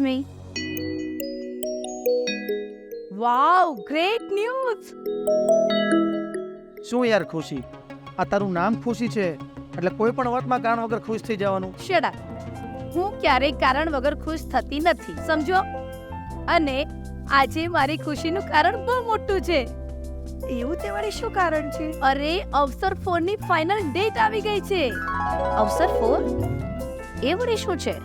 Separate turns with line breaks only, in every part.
મી.
વાવ, great news.
શું યાર ખુશી, આ તારું નામ ખુશી છે એટલે કોઈ પણ વાતમાં કારણ વગર ખુશ થઈ જવાનું?
Shut up. હું ક્યારેય કારણ વગર ખુશ થતી નથી, સમજો? અને આજે મારી ખુશીનું કારણ બહુ મોટું છે.
એવું તે વળી શું કારણ છે?
અરે, અવસર 4 ની ફાઇનલ ડેટ આવી ગઈ છે.
અવસર 4? એ વળી શું છે?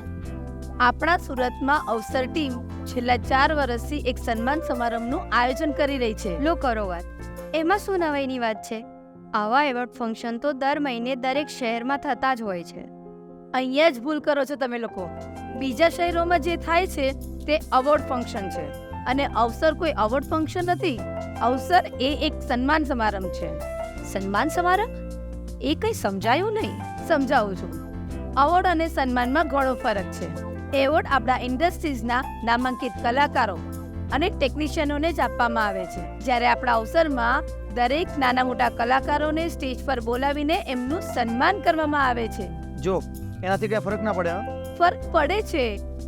આપણા સુરતમાં અવસર ટીમ છેલ્લા 4 વર્ષથી એક સન્માન સમારંભનું આયોજન કરી રહી છે.
લો કરો વાત. એમાં શું નવાઈની વાત છે? આવા એવોર્ડ ફંક્શન તો દર મહિને દરેક શહેરમાં થતા જ હોય છે.
અહીંયા જ ભૂલ કરો છો તમે લોકો. બીજા શહેરોમાં જે થાય છે તે અવોર્ડ ફંક્શન છે, અને અવસર કોઈ અવોર્ડ ફંક્શન નથી. અવસર એ એક સન્માન સમારંભ છે.
સન્માન સમારંભ? એ કંઈ સમજાયું નહીં.
સમજાવું છું. અવોર્ડ અને સન્માનમાં ઘણો ફરક છે. એવોર્ડ આપણા ઇન્ડસ્ટ્રીઝના નામાંકિત કલાકારો અને ટેકનિશિયનોને જ આપવામાં આવે છે, જ્યારે આપણા અવસરમાં દરેક નાના મોટા કલાકારોને સ્ટેજ પર બોલાવીને એમનું સન્માન કરવામાં આવે છે.
જો એનાથી કઈ ફરક ના પડે?
ફરક પડે છે.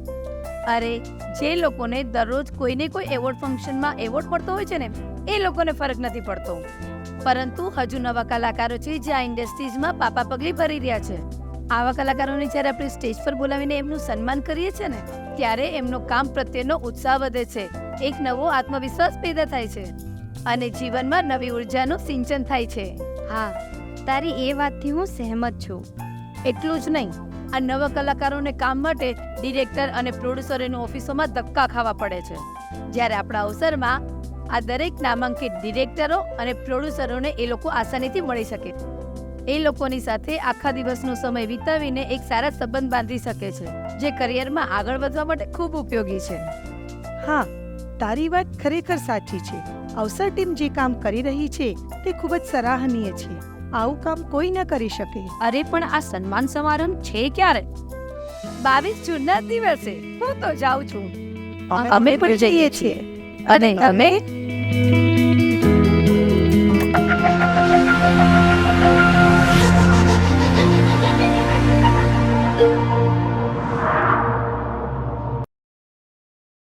અરે, જે લોકોને દરરોજ કોઈને કોઈ એવોર્ડ ફંક્શનમાં એવોર્ડ મળતો હોય છે ને, એ લોકોને ફરક નથી પડતો. પરંતુ હજુ નવા કલાકારો છે જે આ ઇન્ડસ્ટ્રીઝમાં પાપા પગલી ભરી રહ્યા છે. આવા કલાકારોને જ્યારે આપણે સ્ટેજ પર બોલાવીને એમનું સન્માન કરીએ છીએ ને, ત્યારે એમનો કામ પ્રત્યેનો ઉત્સાહ વધે છે, એક નવો આત્મવિશ્વાસ પેદા થાય છે, અને જીવનમાં નવી ઉર્જાનું સિંચન થાય છે.
હા, તારી એ વાતથી હું સહેમત છું.
એટલું જ નહીં, આ નવા કલાકારોને કામ માટે ડિરેક્ટર અને પ્રોડ્યુસરોની ઓફિસોમાં ધક્કા ખાવા પડે છે, જ્યારે આપણા અવસરમાં આ દરેક નામાંકિત ડિરેક્ટરો અને પ્રોડ્યુસરોને એ લોકો આસાનીથી મળી શકે. એ લોકોની સાથે આખા દિવસનો સમય વિતાવીને એક સારા સંબંધ બાંધી શકે છે, જે કરિયરમાં આગળ વધવા માટે ખૂબ ઉપયોગી છે.
હા, તારી વાત ખરેખર સાચી છે. અવસર ટીમ જે કામ કરી રહી છે તે ખૂબ જ સરાહનીય છે. આવું કામ કોઈ ન કરી શકે.
અરે પણ આ સન્માન સમારંભ છે ક્યારે?
22 જૂનના દિવસે. હું તો જાઉં છું.
અમે પણ જઈએ છીએ. અને તમે?